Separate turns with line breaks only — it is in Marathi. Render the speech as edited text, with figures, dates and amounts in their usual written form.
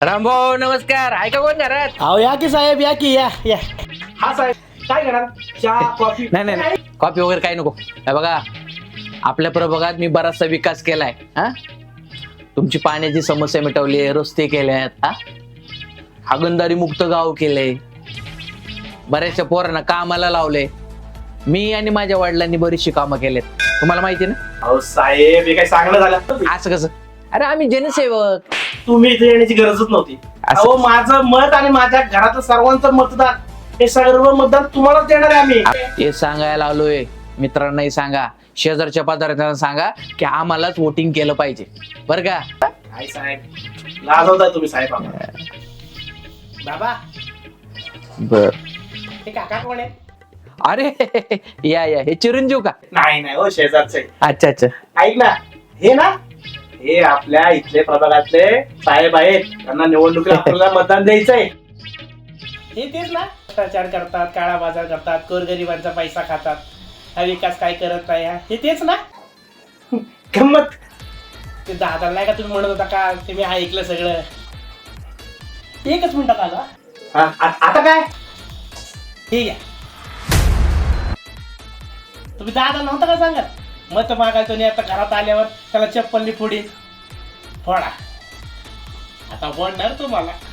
रामभाऊ नमस्कार. आहे का कोण घरात?
अहो या की साहेब, या की या या.
हा साहेब, काय घेणार? चहा कॉफी?
नाही नाही नाही, कॉफी वगैरे काही नको. हे बघा, आपल्या प्रभागात मी बराचसा विकास केलाय. हा, तुमची पाण्याची समस्या मिटवली, रस्ते केल्यात, हा, हागणदारी मुक्त गाव केले, बऱ्याचशा पोरांना कामाला लावले. मी आणि माझ्या वडिलांनी बरीचशी कामं केलेत, तुम्हाला माहिती ना.
अहो साहेब, हे काय चांगलं झालं?
असं कसं? अरे आम्ही जनसेवक.
तुम्ही इथे येण्याची गरजच नव्हती. अहो माझं मत आणि माझ्या घरातलं सर्वांचं मतदान, हे सर्व मतदान तुम्हालाच देणार आहे आम्ही.
हे सांगायला आलोय. मित्रांनाही सांगा, शेजारच्या पदार्थांना सांगा की आम्हालाच वोटिंग केलं पाहिजे, बरं का.
काय साहेब, लाजवताय तुम्ही साहेब आम्हाला. बाबा,
बर.
हे काका कोण आहे?
अरे या या, हे चिरंजीव का?
नाही नाही, हो शेजारचे.
अच्छा अच्छा.
ऐक ना, हे ना, हे आपल्या इथले प्रभागातले साहेब आहेत. त्यांना निवडणुकीला आपल्याला मतदान द्यायचंय. हे तेच ना, भ्रष्टाचार करतात, काळा बाजार करतात, गोरगरिबांचा पैसा खातात, हा विकास काय करत नाही. हे तेच ना. गंमत. ते दादा नाही का तुम्ही म्हणत होता का, ते मी ऐकलं सगळं. एकच मिनिटात आला. आता काय? ठीक आहे. तुम्ही दादा नव्हता का सांगत? मत मागायचो नाही, आता घरात आल्यावर त्याला चप्पलनी पुढे फोडा. आता फोडणार तुम्हाला.